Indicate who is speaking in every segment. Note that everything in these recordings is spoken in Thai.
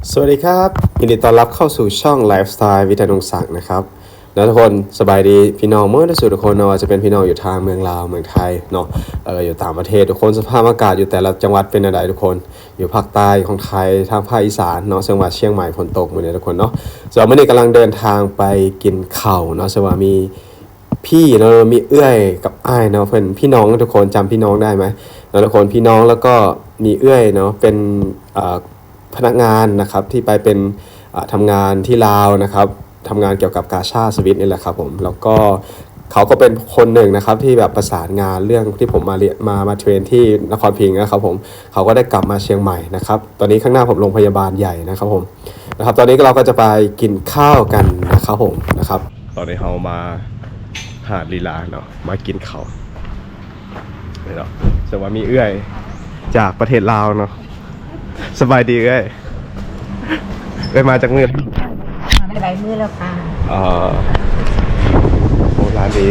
Speaker 1: สวัสดีครับยินดีต้อนรับเข้าสู่ช่องไลฟ์สไตล์วิทยานงศักดิ์นะครับทุกคนสบายดีพี่น้องเมื่อที่สุดทุกคนเนาะจะเป็นพี่น้องอยู่ทางเมืองลาวเมืองไทยเนาะอยู่ต่างประเทศทุกคนสภาพอากาศอยู่แต่ละจังหวัดเป็นอะไรทุกคนอยู่ภาคใต้ของไทยทางภาคอีสานเนาะจังหวัดเชียงใหม่ฝนตกเหมือนทุกคนเนาะส่วนวันนี้กำลังเดินทางไปกินข้าวเนาะสว่ามีพี่เนาะมีเอื้อยกับอ้ายเนาะเพื่อนพี่น้องทุกคนจำพี่น้องได้ไหมทุกคนพี่น้องแล้วก็มีเอื้อยเนาะเป็นพนักงานนะครับที่ไปเป็นทำงานที่ลาวนะครับทำงานเกี่ยวกับกาชาดสวิตนี่แหละครับผมแล้วก็เขาก็เป็นคนหนึ่งนะครับที่แบบประสานงานเรื่องที่ผมมาเรียนมาเทรนที่นครพิงค์นะครับผมเขาก็ได้กลับมาเชียงใหม่นะครับตอนนี้ข้างหน้าผมโรงพยาบาลใหญ่นะครับผมนะครับตอนนี้เราก็จะไปกินข้าวกันนะครับผมนะครับตอนนี้เรามาหาดลีลาเนาะมากินข้าวเนาะแต่ว่ามีเอื้อยจากประเทศลาวเนาะสบายดีเอ้ยมาจากเมือง
Speaker 2: มาได้หลายมื้อแล้วค่ะ
Speaker 1: โอ้ร้านดี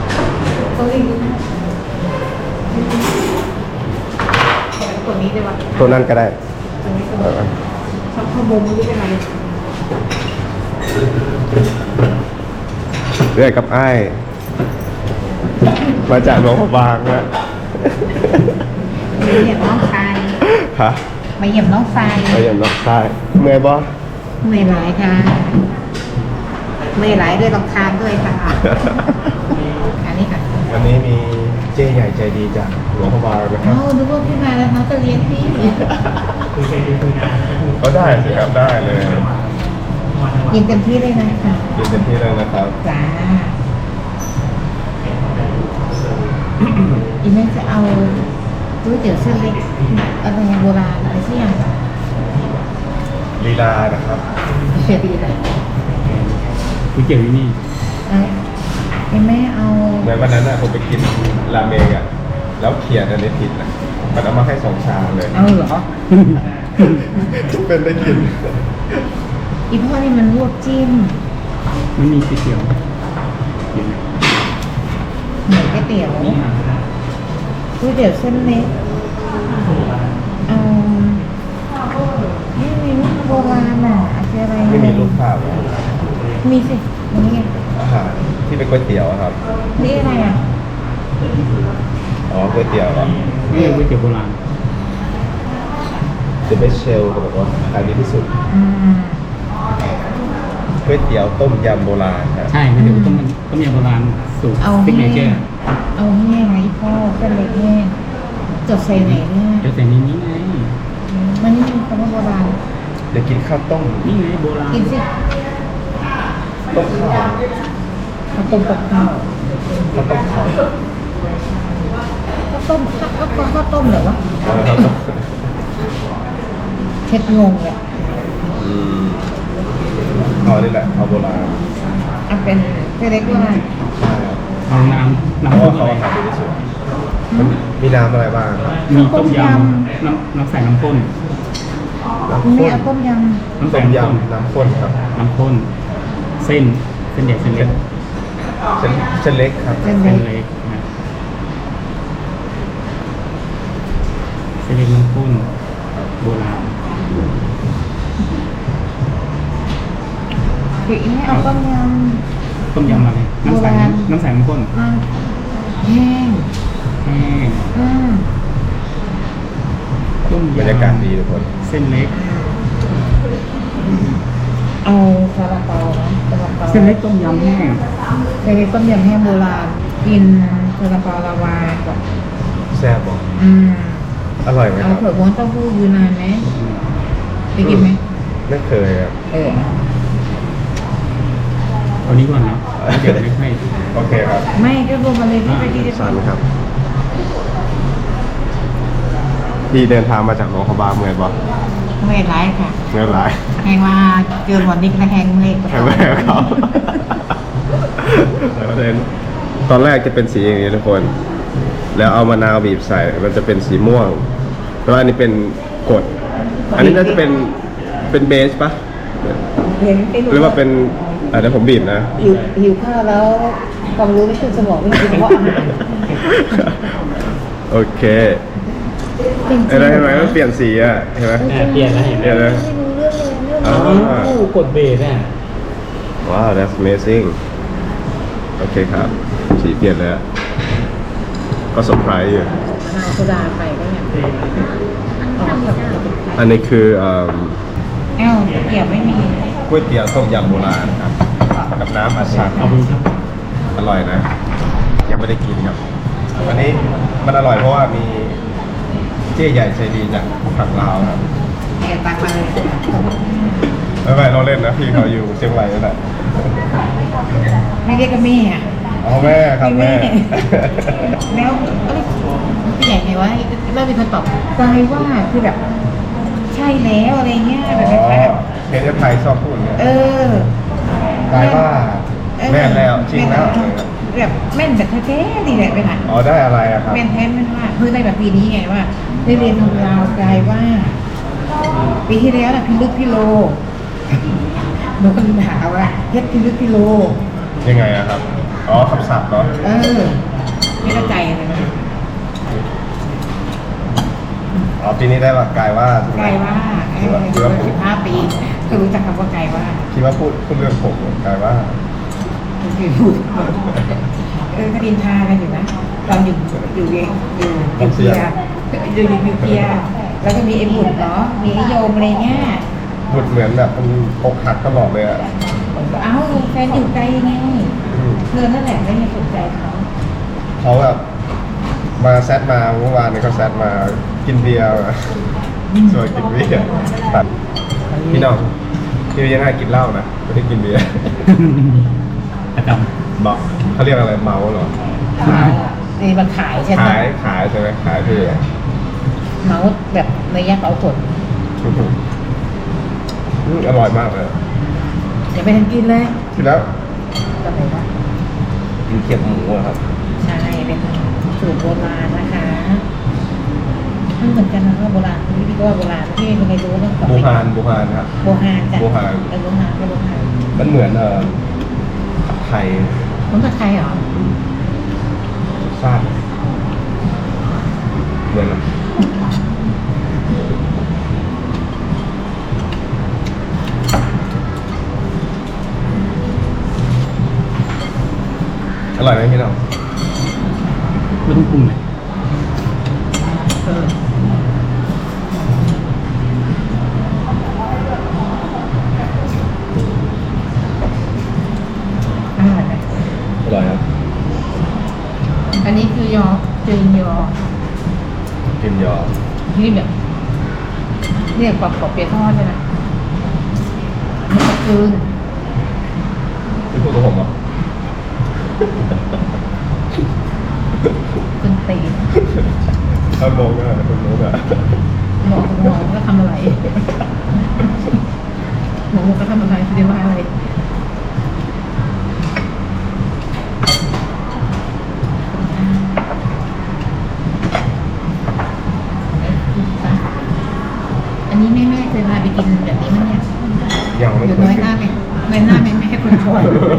Speaker 2: ตัวนี้ได้ปะ
Speaker 1: ตัวนั้นก็ได้
Speaker 2: ชอบข้าวมุมนี่เป็นไร
Speaker 1: เรื่อยกับไอ้มาจากหลวงพระบางนะ
Speaker 2: มาเยี่ยมน้องชาย
Speaker 1: ฮะ
Speaker 2: มาเยี่ยมน้องชาย
Speaker 1: มาเยี่ยมน้องชายเมื่อยบ่
Speaker 2: เมื่อยหลายค่ะเมื่อยหลายด้วยรำคาญด้วยค่ะอันนี้ค่ะ
Speaker 1: วันนี้มีเจ๊ใหญ่ใจดีจากหลวงพระบางนะครับ
Speaker 2: นึกว่าพี่มาแล้วน้องจะเลี้ยงพี่
Speaker 1: ก็ได้สิครับได้เลย
Speaker 2: ยินเต็มที่เลยนะคะ
Speaker 1: ยินเต็มที่เลยนะครับ
Speaker 2: จ้าอีแม่จะเอาก๋วยเตี๋ยวเส้นเล็กอะไรโบราณอะไรสักอย่าง
Speaker 1: ลีลานะครับ
Speaker 2: เสียดีเลย
Speaker 3: ก๋วยเตี๋ยวที่นี่
Speaker 2: แม่เอา
Speaker 1: เหมือนวันนั้นน่ะผมไปกินราเมงอ่ะแล้วเขียนอันนี้ผิดนะมันเอามาให้2 ชามเลย
Speaker 2: เอาเหรอ
Speaker 1: เป็นได้กิน
Speaker 2: อีพ่อนี่มันลวกจิ้ม
Speaker 3: มันมีก๋วยเตี๋ยวกิน
Speaker 2: เหมือนก๋วยเตี๋ยวก๋วยเตี๋ยวเส้นเล็กนี่มีลูกโบราณอ่ะอะไร
Speaker 1: ไม่มีรูปภาพ
Speaker 2: มีสินี่
Speaker 1: อาหารที่เป็นก๋วยเตี๋ยวครับ
Speaker 2: นี่อะไรอ่ะ
Speaker 1: อ๋อก๋วยเตี๋ยวเหรอ
Speaker 3: นี่ก๋วยเตี๋ยวโบราณ
Speaker 1: The best shell เขาบอกว่าขายดีที่สุดก๋วยเตี๋ยวต้มยำโบราณครับ
Speaker 3: ใช่ก๋วยเตี๋ยวต้มยำโบราณสูตรซิกเนเจอร์
Speaker 2: เอาแห้งไงพ่อเส้นเล็กแห้งจดใส่ไหนเนี่ย
Speaker 3: จดใส่นี้ไง
Speaker 2: มันนี่คำว่าโบราณ
Speaker 1: เดี๋ยวกินข้าวต้ม
Speaker 3: นี่ไงโบราณ
Speaker 2: กินสิ
Speaker 1: ต้มข้าว
Speaker 2: ข้าวต้มกับข้าว
Speaker 1: ข้าวต้มข้าว
Speaker 2: ข้าวต้มเหรอวะเช็ดงงเลย
Speaker 1: เอานี่แหละเอาโบราณ
Speaker 2: เป็นเส้นเล็กโบราณ
Speaker 3: เอาน้ำ
Speaker 1: เพราะเขาขายดีที่สุดมีน้ำอะไรบ้างครับ
Speaker 3: มีต้มยำน้ำใส่น้ำข้น
Speaker 2: มีต้มย
Speaker 1: ำต้มยำน้ำข้นครับ
Speaker 3: น้ำข้นเส้นใหญ่เส้นเล็ก
Speaker 1: เส้นเล็กครับ
Speaker 3: เส้นเล็กเส้นเล็กน้ำข้นโบราณ
Speaker 2: คืออีนี่เอาต้มย
Speaker 3: อะไรน้ำใสน้ำข้น
Speaker 2: แห้ง
Speaker 3: ต้มยำ
Speaker 1: บรรยากาศดีทุกคน
Speaker 3: เส้นเล็ก
Speaker 2: เอาซาลาเปา
Speaker 3: เส้นเล็กต้มยำแห้ง
Speaker 2: เส้นเล็กต้มยำแห้งโบราณกินซาลาเปาลาวาก่อน
Speaker 1: แซ่บบอกอร่อยไหมครับ
Speaker 2: เอาเผือกม้วนเต้าหู้อยู่นานไหมไปกินไหม
Speaker 1: ไม่เคยครับ
Speaker 3: เอานี้ก่อนนะเดี๋ยวไม่
Speaker 1: โอเคครับ
Speaker 2: ไม่ก็รวมมาเลยที่ไปที่
Speaker 1: สันครับพี่เดินทางมาจากหลวงพระบางเมื่อยบ่
Speaker 2: เมื่อยร้ายค่ะ
Speaker 1: เมื่อยร้าย
Speaker 2: แหงมาเกินวันนี้ก็แหงเมื่อย
Speaker 1: ครับตอนแรกจะเป็นสีอย่างนี้ทุกคนแล้วเอามะนาวบีบใส่มันจะเป็นสีม่วงเพราะอันนี้เป็นกรดอันนี้น่าจะเป็นเบสปะหรือว่าเป็นเดี๋ยวผมบีบนะ
Speaker 2: หิวข้าวแล้วความรู้ไม่ขึ้นสมองไม่กินเพราะอาหาร
Speaker 1: โอเคเห็นไหมมันเปลี่ยนสีอ่ะเห็นไหม
Speaker 3: เปลี่ยนแล้วเห็นไหม
Speaker 2: ไม่รู้เรื่องเลย
Speaker 3: กดเบรกอ่ะ
Speaker 1: ว้าว that's amazing โอเคครับ สีเปลี่ยนแล้ว ก็เซอร์ไพรส์อยู่
Speaker 2: มะนาวโซดาไปก็เนี่ยอ๋อแบบ
Speaker 1: อันนี้คือ
Speaker 2: แอลเกี่ยวไม่มี
Speaker 1: ก๋วยเตี๋ยวต้มยำโบราณครับ กับน้ำอัดชัน
Speaker 3: เอาคุณครับ
Speaker 1: อร่อยนะ ยังไม่ได้กินครับ อันนี้มันอร่อยเพราะว่ามีเจ๊ใหญ่ใจดีจากฝั่งลาวครับ
Speaker 2: แอบตักมาเลย
Speaker 1: ไม่เราเล่นนะพี่เขาอยู่เชียงรายนั่นแหละ
Speaker 2: ไม่เรียกก็แม่อะ
Speaker 1: อ๋อแม่ครับแม่
Speaker 2: แล้วพี่ใหญ่ไงวะเริ่มมีคนตอบกลายว่าคือแบบ ใช่แล้วอะไรเงี้ยแบบ
Speaker 1: อ๋อ
Speaker 2: แบบ
Speaker 1: เพจไทยชอบพูดอย่างเงี้ย
Speaker 2: อก
Speaker 1: ลายว่าแม่นแล้วจริงแล้ว
Speaker 2: แบบแม่นแบบแท้ๆดีแหละไปไหน
Speaker 1: อ๋อได้อะไรอะครับ
Speaker 2: แม่นแท้แม่นว่าเพื่อได้แบบปีนี้ไงว่าได้เรียนทำราวกลายว่า ปีที่แล้วน่ะพิลึกพิโลหนูก็เลยถามว่าเฮ็ดพิลึกพิโล
Speaker 1: ยังไงอะครับ อ๋อคำศัพท์เนาะ
Speaker 2: ไม่เข้าใจเลยนะ
Speaker 1: อ๋อปีนี้ได้ว่ากลายว่าถูกไหม
Speaker 2: ไกลว่า
Speaker 1: คิดว่า
Speaker 2: 15 ปีก็รู้จักคำว่าไกลว่า
Speaker 1: คิดว่าพูดเรื่องผมกลายว่า
Speaker 2: คือพูดก็ดินทากันอยู่นะตอนอยู่เกียร์อยู่เกียร์แล้วก็มีไอ้บุญเนาะมีไอ้โยมอะไรเงี้ย
Speaker 1: บุดเหมือนแบบมันอกหักตลอดเลยอะ
Speaker 2: เอ้าแฟนอยู่ไกลไง
Speaker 1: อืม
Speaker 2: เธอนั่นแหละไม่ได้สนใจเขา
Speaker 1: เขาแบบมาแซดมาเมื่อวานนี้เขาแซดมากินเบียร์อะชวนกินเบียร์ตัดพี่น้องพี่ยังไงกินเหล้านะไม่ได้กินเบียร์
Speaker 3: ประจ
Speaker 1: บอกเขาเรียกอะไรเมาเหรอ
Speaker 2: นี่มันขายใช่ไหม
Speaker 1: ขายใช่ไหมขายพี่
Speaker 2: เมาส์แบบในยักษ์เอาผล
Speaker 1: อร่อยมากเลย
Speaker 2: อย่าไปทันกินเลย
Speaker 1: ทีแล้ว
Speaker 2: ก็เลยว่า
Speaker 1: กินเขียบหมูอะครับ
Speaker 2: ใช่เป็นสูตรโบราณนะคะไม่เหมือนกันนะว่าโบราณพี่ก็ว่าโบราณพี่ไม่เคยรู้เรื่องของ
Speaker 1: บูฮานครับ
Speaker 2: โบฮานจ้ะ
Speaker 1: โบฮาน
Speaker 2: โบฮานก็โบฮาน
Speaker 1: มันเหมือนผัดไทย
Speaker 2: มันกับใครเหรอ
Speaker 1: ซาดเหมือนอร่อยไหมพี่น้อง
Speaker 3: ำไม่ต้องปรุงเลย
Speaker 2: เอออร่อยไหม
Speaker 1: อร่อยครับ
Speaker 2: อันนี้คือยอจืนยอ
Speaker 1: กินยอ
Speaker 2: ที่แบบเรียกกรอบเปียกทอดใช่ไหมนี่ก็จืน
Speaker 1: พี่พูดกับผมเหรอ
Speaker 2: จืนตีน
Speaker 1: ถ้ามองก็คนรู้อะ
Speaker 2: หมอก็ทำอะไรหมอก็ทำอะไรเรียกว่าอะไรอันนี้แม่เคยพาไปกินแบบนี้มั้ยเนี่ย
Speaker 1: ยังไม่
Speaker 2: อยู่
Speaker 1: เค
Speaker 2: น้อย
Speaker 1: ย
Speaker 2: หน้าไหมน้อยหน้าไหมแม่คนชวน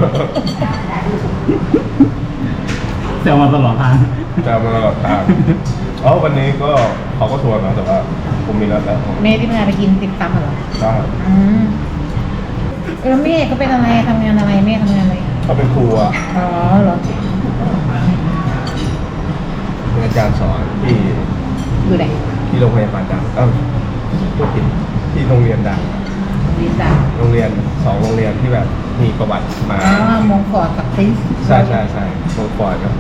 Speaker 3: แซวมาตลอดทาง
Speaker 1: จะมาตลอดทางอ๋อวันนี้ก็เขาก็ชวนนะแต่ว่าผมมีแล้วแต่ผม
Speaker 2: แม่ที่พาไปกินติดตำเหรอ
Speaker 1: ได้
Speaker 2: อืมแล้วแม่ก็เป็นอะไรทำงานอะไรแม่ทำงานอะไร
Speaker 1: เขาเป็นครูอะ
Speaker 2: อ๋อเหรอ
Speaker 1: เป็นอาจารย์สอนที่
Speaker 2: อยู่ไหน
Speaker 1: ที่โรงพยาบาลดังพูดผิดที่โรงเรียนดัง
Speaker 2: วีซ่า
Speaker 1: โรงเรียน2โรงเรียนที่แบบมีประวัติมา
Speaker 2: อ๋อมงกอดกับซิส
Speaker 1: ใช่โรงปอยครับ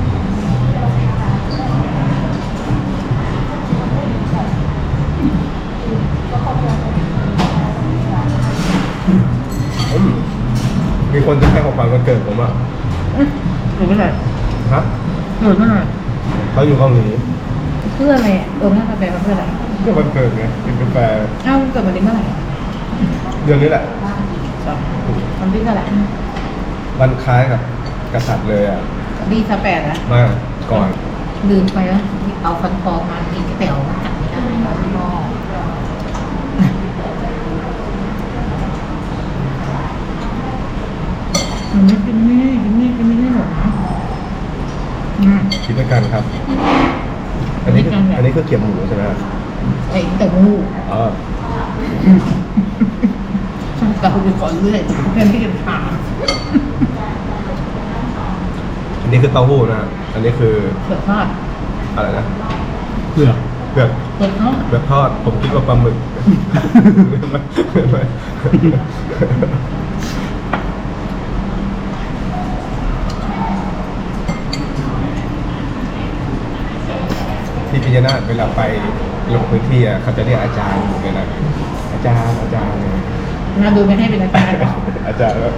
Speaker 1: มีคนจะให้ของขวัญวันเกิดผมอ่ะ
Speaker 2: หรือเมื่อไหร่
Speaker 1: ฮะ
Speaker 2: หรือเมื่อไหร่
Speaker 1: เขาอยู่เกาหลี
Speaker 2: เพื่ออะไรอ่ะหน้าแปลว่าเพื่ออะไร
Speaker 1: ก็วันเกิดไงกินกาแฟ
Speaker 2: เอ้าเกิดวันนี้เมื่อไหร่
Speaker 1: เดือนนี้แหละ
Speaker 2: วันที่เท่าไหร่
Speaker 1: วันคล้ายกับกษัตริย์เลยอ่ะ
Speaker 2: ดีสแปดนะ
Speaker 1: มาก่อน
Speaker 2: ลืมไปแล้วเอาฟันปลอมมากินก๋วยเตี๋ยวมาจัดไม่ได้แล้วพี่พ่อมันไม่กินไม่ได้หมดนะอืม
Speaker 1: คิดด้วยกันครับ อันนี้คือ
Speaker 2: คิดด้วยกันแบบ
Speaker 1: อันนี้คือเกี๊ยวหมูใช่ไหมครับ
Speaker 2: ไอ้เต๋อหู
Speaker 1: อ๋อ
Speaker 2: เราไปก่อนเรื่อยเพื่อนที่จะถาม
Speaker 1: อันนี้คือเต้าหู้นะอันนี้คือ
Speaker 2: เผือกทอด
Speaker 1: อะไรนะ
Speaker 3: เผือก
Speaker 1: เผือก
Speaker 2: เผือกทอด
Speaker 1: เผือกทอดผมคิดว่าปลาหมึก ที่พิจารณาเวลาไปลงพื้นที่อ่ะเขาจะเรียกอาจารย์เลยนะอาจารย์เนี่ย
Speaker 2: น่าดูไม่ให้เป็นอาจารย์หรอก
Speaker 1: อาจารย์แล้ว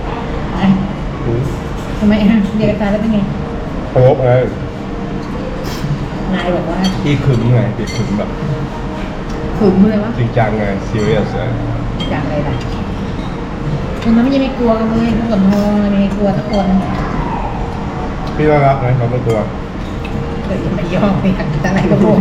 Speaker 2: ทำไมฮะเรียนอาจารย์แล้วเป็นไง
Speaker 1: โป๊บไง
Speaker 2: นายบอกว่า
Speaker 1: พี่ขึมไงพี่ขึมแบบ
Speaker 2: ขึมเลยวะ
Speaker 1: จริงจังไงซีเรียสเลย
Speaker 2: จากอะไรล่ะคนนั้นไม่ยังไม่กลัวกันเลยพวกกับทองไม่กลัวทุกคน
Speaker 1: พี่น่ารักนะเขาไม่กลัว
Speaker 2: เดี๋ยวไม่ยอมไปหันอะไรก็โมโห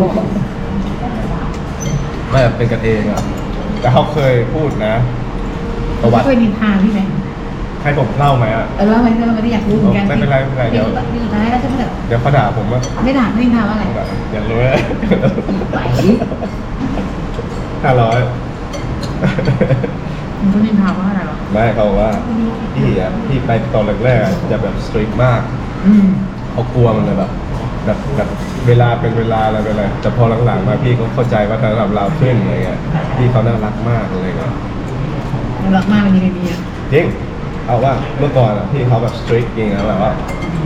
Speaker 1: ไม่เป็นกันเองอ่ะแต่เขาเคยพูดนะประวัติ
Speaker 2: เคยนินทาพี่ไหม
Speaker 1: ให้ผมเล่าไหมอ่ะ
Speaker 2: แล้วไม่ได้อยากรู้เหมือนกัน
Speaker 1: ไม่เป็นไรเดี๋ยว
Speaker 2: สุดท้ายแล้วใช่ไหมแบบ
Speaker 1: เดี๋ยวเขาด่าผมว่า
Speaker 2: ไม่ด่าไม่นินทาว่าอะไร
Speaker 1: อย่ารู้เลย
Speaker 2: ไหว
Speaker 1: 500
Speaker 2: มันก็นินทาว่าอะไรหรอ
Speaker 1: ไม่เขาบอกว่าพี่ไปตอนแรกๆอะจะแบบสตรีทมาก
Speaker 2: อืม
Speaker 1: เขากลัวมันเลยแบบเวลาเป็นเวลาอะไรเป็นอะไรแต่พอหลังๆมาพี่ก็เข้าใจว่าสำหรับเราขึ้นอะไรเงี้ยพี่เขาน่ารักมากอะไรเงี้ย
Speaker 2: รักมากมันยังไงดีอ่ะ
Speaker 1: จริงเอาว่าเมื่อก่อนอ่ะพี่เขาแบบสตรีทจริงนะแบบว่า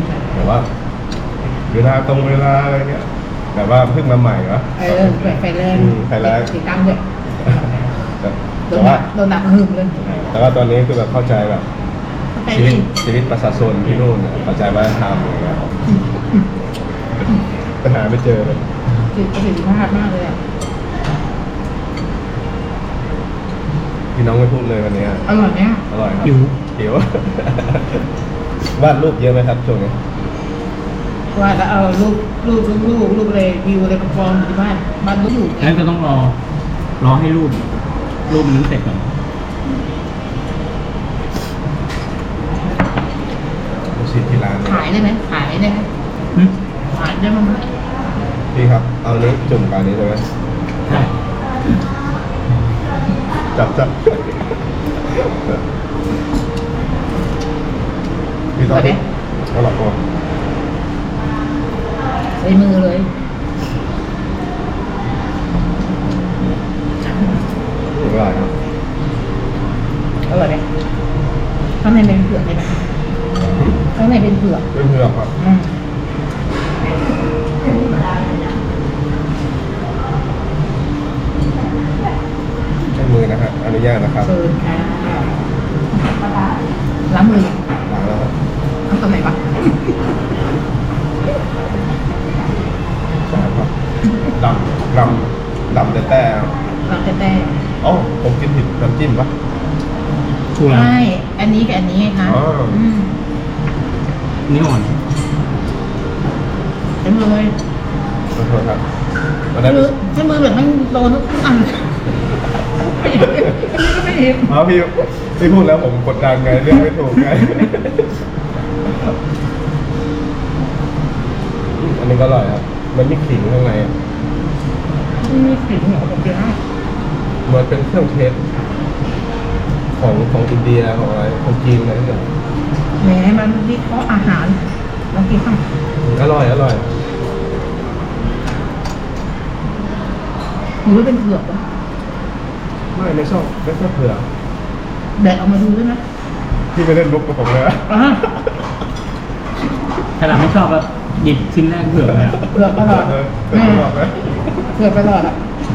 Speaker 1: เวลาตรงเวลาอะไรเงี้ยแต่ว่าเพิ่งมาใหม่วะ
Speaker 2: เปิดไฟแรง
Speaker 1: ไฟแรง
Speaker 2: ติดตั้งด้วย
Speaker 1: แต่
Speaker 2: โด
Speaker 1: แต่
Speaker 2: นหนั
Speaker 1: ว่า
Speaker 2: กโดนหนักหึมเลย
Speaker 1: แต่ว่าตอนนี้คือแบบเข้าใจแบบ
Speaker 2: ไป
Speaker 1: ชีวิ
Speaker 2: ดิ
Speaker 1: ตชีวิตประชาชนที่นู่นเนี่ยเข้าใจว่าทำอะไรเงี้ยปัญหาไม่เจอเลย
Speaker 2: ประสิทธิภาพมากเลยอ่ะ
Speaker 1: พี่น้องไม่พูดเลยวันนี้
Speaker 2: อร่อยเนี่ย
Speaker 1: อร่อยครับ
Speaker 3: หิว
Speaker 1: หิว วาดรูปเยอะไหมครับช่วงนี้
Speaker 2: ว่าแล้วเอารูปเลยวิวอะไรมาฟองอยู่ที่บ้านบ้านก็อยู่
Speaker 3: งั้นก็ต้องรอให้รูปมันนั้นเสร็จก่อน
Speaker 1: ลูกศิษย์ที่ร้าน
Speaker 2: ขายได้ไหมขายได้ไหม
Speaker 3: หึ
Speaker 2: ขายได้มั้ย
Speaker 1: พี่ครับ เอานี้จุ่มกับอันนี้ได้ไหม
Speaker 3: ใช่
Speaker 1: จับพี่ต้องเอาหลับก่อน
Speaker 2: ใส่มือเลย
Speaker 1: อร่อยครับ
Speaker 2: อร่อยไหมข้างในเป็นเผือกใช่ไหมข้างในเป็นเผือก
Speaker 1: เพื่อนๆครับ
Speaker 2: อืม
Speaker 1: ใช้มือนะครับอนุญาตนะครับ
Speaker 2: เชิญค่ะล้างมือ
Speaker 1: ล้างแล้วครับ
Speaker 2: เอาตรงไหนวะ
Speaker 1: ใช่ครับดำแต่
Speaker 2: ล้างแต่
Speaker 1: อ๋อผมกินผิดน้ำจิ้มปะ
Speaker 3: ชูแล้ว
Speaker 2: ใช่อันนี้กับอันนี้ไงคะ
Speaker 1: อ๋ออื
Speaker 2: ม
Speaker 3: นี่อ่อน
Speaker 2: ใช้มือเลย
Speaker 1: ขอโทษครับวัน
Speaker 2: ใช้
Speaker 1: นั้น
Speaker 2: มือใช้มือแบบมันโดนทุกอันอันนี้ก็ไม่เห็น
Speaker 1: อ๋อพี่พูดแล้วผมกดดันไงเรื่องไม่ถูกไง อันนี้ก็อร่อยครับ มันมีขิงข้างในอะ
Speaker 2: มีกลิ่นเหนียวแบบเดียว
Speaker 1: มันเป็นเครื่องเทสของอินเดียของอะไรของจีนอะไรนี่ย
Speaker 2: แหมมันวิเคราะห์อาหารลองกินข้าง
Speaker 1: อร่อย
Speaker 2: หรือว่าเป็นเผือกวะ
Speaker 1: ไม่ชอบเผื่อ
Speaker 2: แดดออกมาดูด้วยนะ
Speaker 1: พี่ไปเล่นลุกกับผมเลยอะ
Speaker 2: อ่ะ
Speaker 3: ถ้าเราไม่ชอบแบบหยิบชิ้นแรกเผือกเลยอะ
Speaker 2: เผือกตลอด
Speaker 1: เล่นตลอดไหม
Speaker 2: เผือกตลอดอ่ะ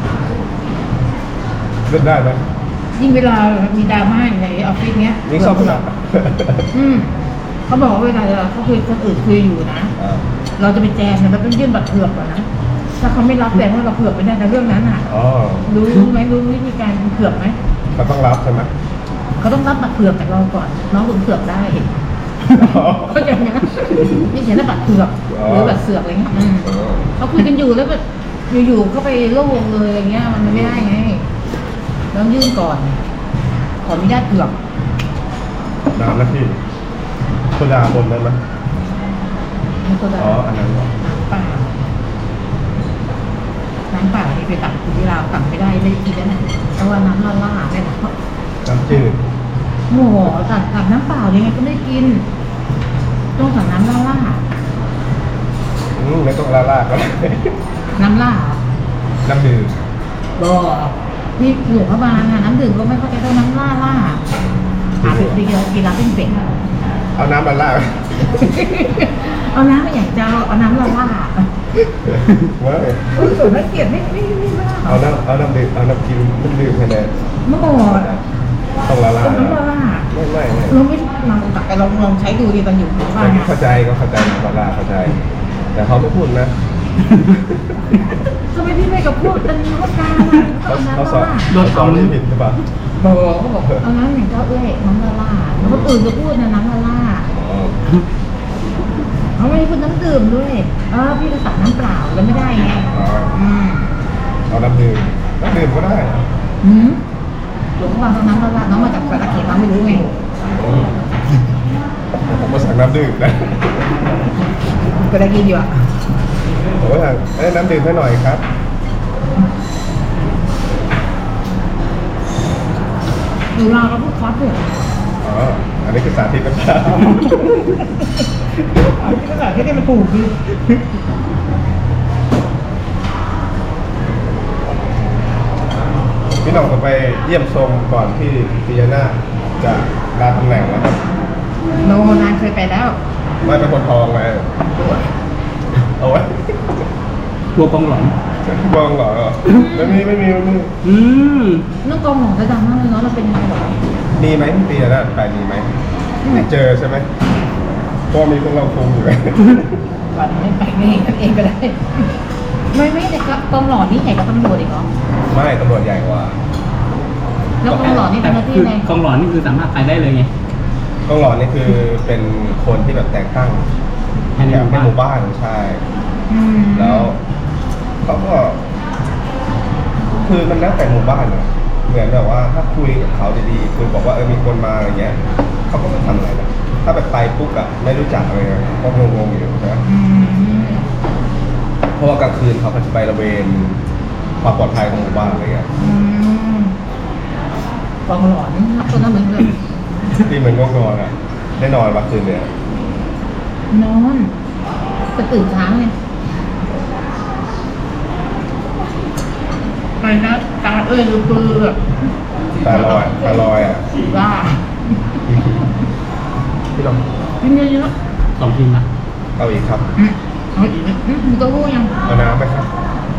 Speaker 1: เล่นได้ไหม
Speaker 2: ยิ่งเวลามีดราม่าอยู่ในออฟฟิศเนี้ย
Speaker 1: นี่ชอบ
Speaker 2: เผื
Speaker 1: เผื่
Speaker 2: อ
Speaker 1: อก
Speaker 2: เขาบอกว่าเวลาเขาคุยคนอื่นคุยอยู่นะ
Speaker 1: อ่า
Speaker 2: เราจะไปแจมเนี่ยเราต้องยื่นบัตรเผือกก่อนนะถ้าเขาไม่รับแสดงว่าเราเผือกไม่ได้ในเรื่องนั้นอ่ะ
Speaker 1: อ๋อ
Speaker 2: รู้ไหมรู้วิธีการเผือกไหม
Speaker 1: มันต้องรับใช่ไหม
Speaker 2: เขาต้องรับบัตรเผือกจากเราก่อน น้องถึงเผือกได้
Speaker 1: อ๋อ
Speaker 2: เขาใจไหมนี่เขียนว่าบัตรเผือก
Speaker 1: อ๋อ
Speaker 2: หรือบัตรเสือกอะไรเงี้ย
Speaker 1: อ๋อ
Speaker 2: เขาคุยกันอยู่แล้วแบบอยู่ๆก็ไปโล่วงเลยอะไรเงี้ยมันไม่ได้ไงต้องยื่นก่อน ขออนุญาตเผือก
Speaker 1: น้ำนะพี่โซดาบนได้ไหม
Speaker 2: นี่ก็ได้
Speaker 1: อ๋ออันนั้นเหรอ
Speaker 2: น้ำเปล่าที่ไปตักที่เราวตักไม่ได้ไม่ได้กินแล้วนะเพราะว่าน้ำล่าๆเนี่ยนะ
Speaker 1: น้ำจืด
Speaker 2: โอ้โหสั่งน้ำเปล่ายังไงก็ไม่กินต้องสั่งน้ำล่า
Speaker 1: ไม่ต้องลาก็ได้
Speaker 2: น้ำล่า
Speaker 1: น้ำดื่ม
Speaker 2: บ่นี่หลวงพระบางอะน้ำดื่มก็ไม่ค่อยจะเท่าน้ำล่าหาเป็นเดียวกินแล้วเป็นเป็ด
Speaker 1: เอาน้ำลา
Speaker 2: เอาน้ำไม่อยากจะเอาน้ำล่า
Speaker 1: ว้าย
Speaker 2: ส่วนนักเกียรติไม่ล่า
Speaker 1: เอาน้ำดื่มเอาน้ำกินน้ำดื่มแค่นั้น
Speaker 2: เมื่อก่อน
Speaker 1: ต้องลา
Speaker 2: น้ำล่า
Speaker 1: ไม่
Speaker 2: เราไม่ลองใช้ดูดิตอนอยู่บ้าน
Speaker 1: เข้าใจก็เข้าใจลาเข้าใจ แต่เขาไม่พูดนะ
Speaker 2: ทำไมพี่ไม่กับพวกเป็นรถการอ่ะเอาน้ำ
Speaker 1: เขาสอน
Speaker 2: ล่า
Speaker 1: เขาสอนที่ผิดหรือเปล่า
Speaker 2: บอกเขาบอกเอาน้ำอย่างเจ้าเอ้ยน้ำล่าแล้วคนอื่นก็พูดนะน้ำล่า
Speaker 1: อ๋อ
Speaker 2: เขาไม่ได้พูดน้ำดื่มด้วยพี่ก็สั่งน้ำเปล่าแล้วไม่ได้ไงอืม
Speaker 1: เอาน้ำดื่มก็ได้
Speaker 2: หลวงพ่อน้ำล่าน้องมาจากสระเกดเราไม่รู้ไง
Speaker 1: ผมมาสั่งน้ำดื่มนะ
Speaker 2: ก็ได้กินอยู่อ่ะ
Speaker 1: ผมก็สั่งน้ำดื่มให้หน่อยครับ
Speaker 2: ดูเราก็พูดคอสเลย
Speaker 1: อ๋อ อันนี้คือสาธิตนะครับ
Speaker 2: ที่ภาษาที่นี่มันถูกดิ
Speaker 1: พี่น้องผมไปเยี่ยมชมก่อนที่ปิยนาจะลาตำแหน่งแล้วครับ
Speaker 2: โนนานเคยไปแล้ว
Speaker 1: ไม่เป็นคนทองไงเอาไว้
Speaker 3: กลัวกองหลอน
Speaker 1: บองเหรอไม่มี
Speaker 3: อืม
Speaker 2: น้องกองหลงจะดังมากเลยเนาะเราเป็นยังไงหรอ
Speaker 1: มีไหมพี่ปิยนาไปมีไหมไม่เจอใช่ไหมเพราะมีพวกเราคุมอยู่
Speaker 2: วันไม่ไปไม่เห็นกันเองก็ได้ ไม่แต่กองหล่อนี่ใหญ่กว่าตำรวจอีกเหรอ
Speaker 1: ไม่ตำรวจใหญ่กว่า
Speaker 2: แล้วกองหล่อนี่เป็นหน้าที่
Speaker 3: คือ
Speaker 2: ไง
Speaker 3: กองหลอนนี่คือสามารถไปได้เลยไง
Speaker 1: ต้องรอนี่คือเป็นคนที่แบบแต่งตั้ง
Speaker 3: ให้ใน
Speaker 1: แบบ
Speaker 3: หมู่บ้าน
Speaker 1: ในหมู่บ้านใช่
Speaker 2: ม
Speaker 1: แล้วเขาก็ คือมันแล้วแต่หมู่บ้านอะเหมือนแบบว่าถ้าคุยกับเขาดีๆคือบอกว่ามีคนมาอะไรเงี้ยเขาก็ไม่ทำอะไรนะถ้าแบบไปปุ๊บอะไม่รู้จักอะไรเงี้ยก็งงๆอยู่นะ
Speaker 2: อืม
Speaker 1: เพราะว่ากลางคืนเขาก็จะไประเวนความปลอดภัยของหมู่บ้านอะไรเงี้ย
Speaker 2: อืมกองหล่อนี่ตัวนั้นเหมือนกัน
Speaker 1: ที่มันง่วงนอนอะได้นอนวันคืนเนี่ย
Speaker 2: นอนจะตื่นเช้าไงไปนะตาเอ้ยดูปือแบบ
Speaker 1: ตาลอยอะ
Speaker 2: ว่า
Speaker 1: พี่ลอง
Speaker 2: กินเยอะ
Speaker 3: 2 ทีมละ
Speaker 1: เอาอีกครับ
Speaker 2: ๆเอาอีกไหมมีเต้าหู้ยัง
Speaker 1: เอาน้ำไหมครับ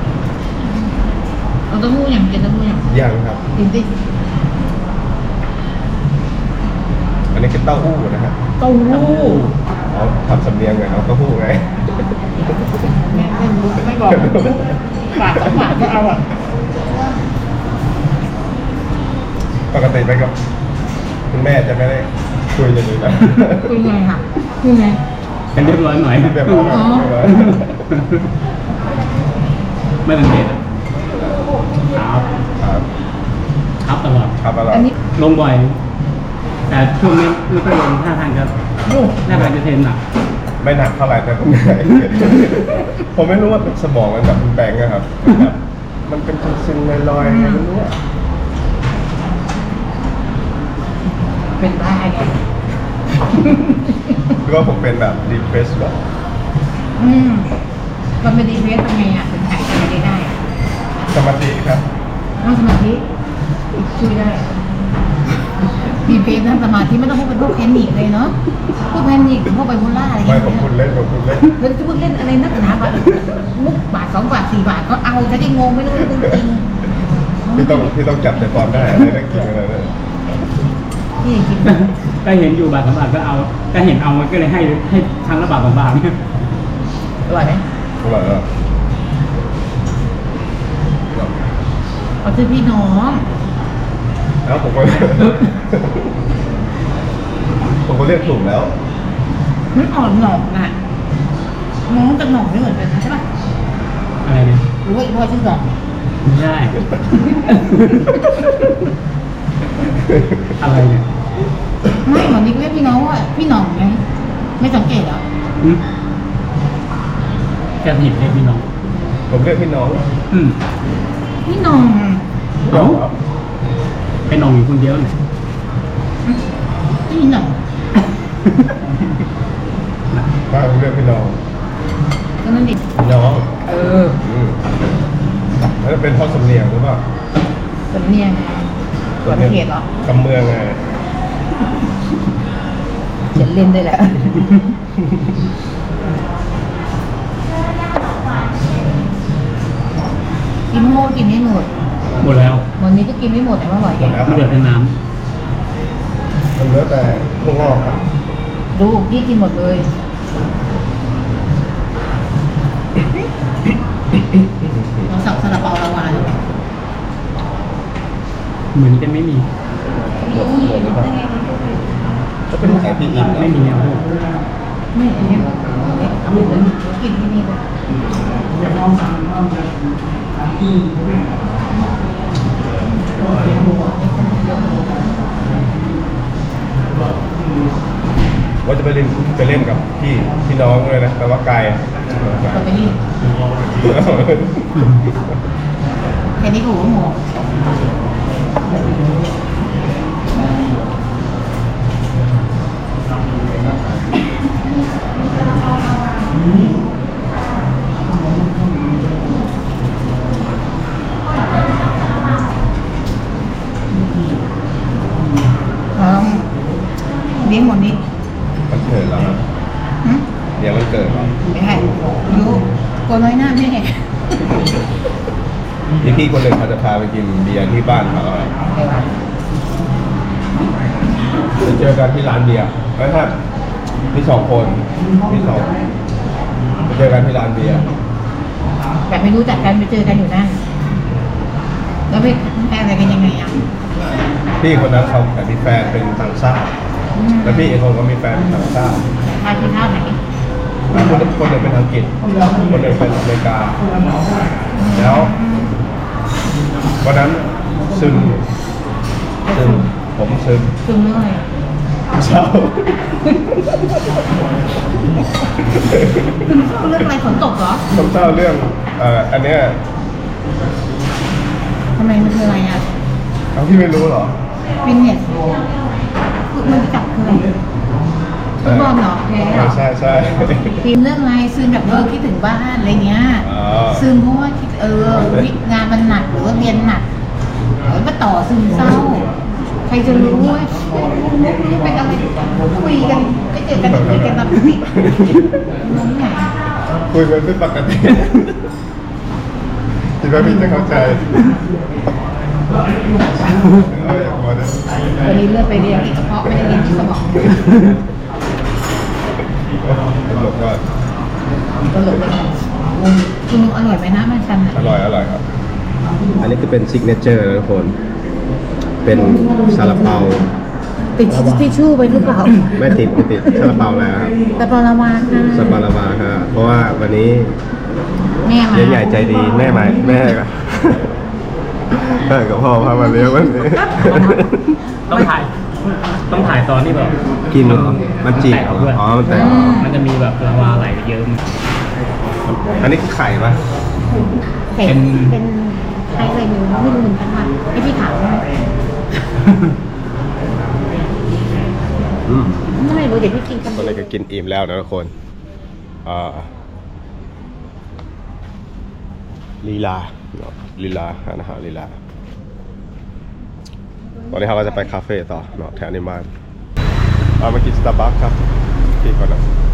Speaker 2: เอาเต้าหู้ยังกินเต้าหู้ยัง
Speaker 1: ยังครับ
Speaker 2: กินสิ
Speaker 1: อันนี้คือเต้าหู้นะฮะ
Speaker 2: เต้าหู้
Speaker 1: เอาทำสำเนียงไงเอาเต้าหู้ไง
Speaker 2: แม่ไม่รู้ไม่บอกปาก2 บาทก็เอาอ่ะ
Speaker 1: ปกติไปกับคุณแม่จะไม่ได้คุยกันอยู่นะ
Speaker 2: คุยไงค่ะคุยไง
Speaker 3: เป็นเรียบร้อยหน่อย
Speaker 1: แบบว่า
Speaker 2: อ๋อ
Speaker 3: ไม่สังเกตอะครับ
Speaker 1: ครับ
Speaker 3: ครับตลอด
Speaker 1: ครับอร่อย
Speaker 2: อันนี้
Speaker 3: ลงบ่อย แต่ช่วงนี้ไม่ค่อยลงท่าทางจะ
Speaker 2: โอ้
Speaker 3: ท่าทางจะเทรนหนัก
Speaker 1: ไม่หนักเท่าไหร่แต่ก็เหนื่อยผมไม่รู้ว่าสมองมันแบบมันแบงอะครับแบบมันเป็นซึมๆลอยๆไม่รู้อะ
Speaker 2: เป็นได้ไง
Speaker 1: หรือว่าผมเป็นแบบดีเพรสแบบ
Speaker 2: มันเป็นดีเพสทำไงอ่ะถึงหายใจได้อะ
Speaker 1: สมาธิครับ
Speaker 2: นั่งสมาธิช่วยได้ดีเพสนั่งสมาธิไม่ต้องพูดเป็นพวกแพนิคเลยเนาะพวกแพนิคพวกไบโพล่าอะไรอย่าง
Speaker 1: ไม่
Speaker 2: เงี้ย
Speaker 1: ผมพูดเล่น
Speaker 2: เราจะพูดเล่นอะไรนักหนาแบบมุกบาท2 บาท 4 บาทก็เอาจะได้งงไม่รู้จริงๆ
Speaker 1: พี่ต้องจับใจความได้อะไรได้กินอะไรเลย
Speaker 2: นี่จริง
Speaker 3: ก็เห็นอยู่บาท 2 บาทก็เอา ก็เห็นเอามันก็เลยให้ครั้งละบาท 2 บาทเนี่ย
Speaker 2: อร่อยไหม
Speaker 1: อร่อยอ่ะ
Speaker 2: เขาชื่อพี่น้อง
Speaker 1: แล้วผมก็ ผมก็เรียกถูกแล้ว
Speaker 2: มันอ่อนหนอกน่ะน้องกับหนอกไม่เหมือนกันนะใช่ป่ะ
Speaker 3: อะไรเนี่ย
Speaker 2: หรือว่าอีพ่อชื่อหนอก
Speaker 3: ไม่ใช่ อะไรเนี่ย
Speaker 2: ไม่หมอนิกเรียกพี่น้องว่าพี่หน่องไงไม่สังเกตเหรอ
Speaker 3: หืมแกผิดเรียกพี่น้อง
Speaker 1: ผมเรียกพี่น้อง
Speaker 3: อืม
Speaker 2: พี่หน่อง
Speaker 3: เอ้า ไปนองอยู่คนเดียวเนี่ย
Speaker 2: นี่หน่อย
Speaker 1: ป้าเรียกพี่น้อง
Speaker 2: ก็นั่นดิ
Speaker 1: พี่น้อง
Speaker 2: เออ
Speaker 1: แล้วจะเป็นพ่อสำเนียงหรือเปล่า
Speaker 2: สำเนียงสำเนียงเหรอก
Speaker 1: ำเมืองไง
Speaker 2: เขียนเล่นได้แหละกินโม่กินไม่หมด
Speaker 3: หมดแล้ว
Speaker 2: วันนี้ก็กินไม่หมดแต่ว่าอร่อย
Speaker 1: หมดแล้ว
Speaker 3: เหลือแต่น้
Speaker 1: มันเหลือแต่พวกงอกครับ
Speaker 2: ดูพี่กินหมดเลย เราสั่งซาลาเปาลาวาเลย
Speaker 3: ำเหมือนจะไม่มี
Speaker 1: หมดหรือเปล่าก็เป็นขายพี่อิน
Speaker 3: ไม่มีแล้วพวก
Speaker 2: ไม่อันนี้เอาไปเลยกินที่นี่เลย
Speaker 1: ว่าจะไปเล่นกับพี่น้องเลยนะแต่ว่าไกล
Speaker 2: เราไปนี่แค่นี้ก็หัวหมูเลี้ยงหมดนี้
Speaker 1: มันเกิดแล้วครับ
Speaker 2: หึ
Speaker 1: เดี๋ยวมันเกิดแล้ว
Speaker 2: ไม่ให้รู้กลัวน้อยหน้าแม่
Speaker 1: มีพี่คนหนึ่งเขาจะพาไปกินเบียร์ที่บ้านเขาอะไปเจอกันที่ร้านเบียร์แล้วถ้ามีสองคนมีสองไปเจอกันที่ร้านเบียร์
Speaker 2: แบบไม่รู้จักกันไปเจอกันอยู่นั่นแล้วไปแพ้อะไรกันยังไงอ่ะ
Speaker 1: พี่คนนั้นเขาแต่มีแฟนเป็นต่างชาติแล้วพี่อีกคนก็มีแฟนเป็นต่างชาติ
Speaker 2: ทานที่ข้าวไหน
Speaker 1: คนหนึ่งเป็นอังกฤษคนหนึ่งเป็นอเมริกา แล้ววันนั้นซึมผมซึม
Speaker 2: ซึมเรื่องอะไร
Speaker 1: เศร้า
Speaker 2: ซึมเศร้าเรื่องอะไรฝนตกเหรอ
Speaker 1: ผมเศร้าเรื่องอันเนี้ย
Speaker 2: ทำไมมันคืออะไรอ่ะ
Speaker 1: เอาพี่ไม่รู้เหรอ
Speaker 2: ฟิตเนสมันจับคืออะไรฟุตบอลเหรอแพ้เหรอ
Speaker 1: ใช่ใช่
Speaker 2: ฟิล์มเรื่องอะไรซึมแบบคิดถึงบ้านอะไรเงี้ย
Speaker 1: อ๋อ
Speaker 2: ซึมเพราะว่าคิดงานมันหนักหรือว่าเรียนหนักมาต่อซึมเศร้า ใครจะรู้ว่าเป็นอะไรคุยกันไม่เจอกันคุยกันแบบติดน้องไง
Speaker 1: คุยกันเป็นปกติคิดว่าพี่จะเข้าใจเอาอย่างพอนะ
Speaker 2: วันนี้เลือดไปเรียนที่กระเพาะไม่ได้เรียนที่สมอง
Speaker 1: ตลกก็
Speaker 2: ตลกเลยคุณอร่อยไหมนะมันชันอ่ะ
Speaker 1: อร่อยครับ อันนี้คือเป็นซิกเนเจอร์นะทุกคน เป็นซาลาเปา
Speaker 2: ติดทิชชู่ไปหรือเปล่า
Speaker 1: ไม่ติดซาลาเปาแล้วครับ
Speaker 2: แต่ปลาวาค่ะ
Speaker 1: ซาลาเปาครับเพราะว่าวันนี้
Speaker 2: แม่มา
Speaker 1: เลี้ยงใหญ่ใจดีแม่กับแม่กับพ่อพามาเลี้ยงวันนี้
Speaker 3: ต้องถ่ายตอนที่แบบ
Speaker 1: กินเหรอมันจีบ
Speaker 3: แตกด้วย
Speaker 1: อ๋อมันแตก
Speaker 3: มันจะมีแบบลาวาไหลเยอะ
Speaker 1: อันนี้คือไข่ปะ
Speaker 2: เป็นใครอะไรไม่รู้เหมือนกันว่าไอ้ที่ถามว่า ไม่รู้เดี๋ยวพี่กินกัน
Speaker 1: ตอนนี้ก็กินอิ่มแล้วนะทุกคนลีลาอาหารลีลาตอนนี้เราก็จะไปคาเฟ่ต่อเนาะแถวนี้บ้านเรามากินสตาร์บัคครับที่ก่อนนะ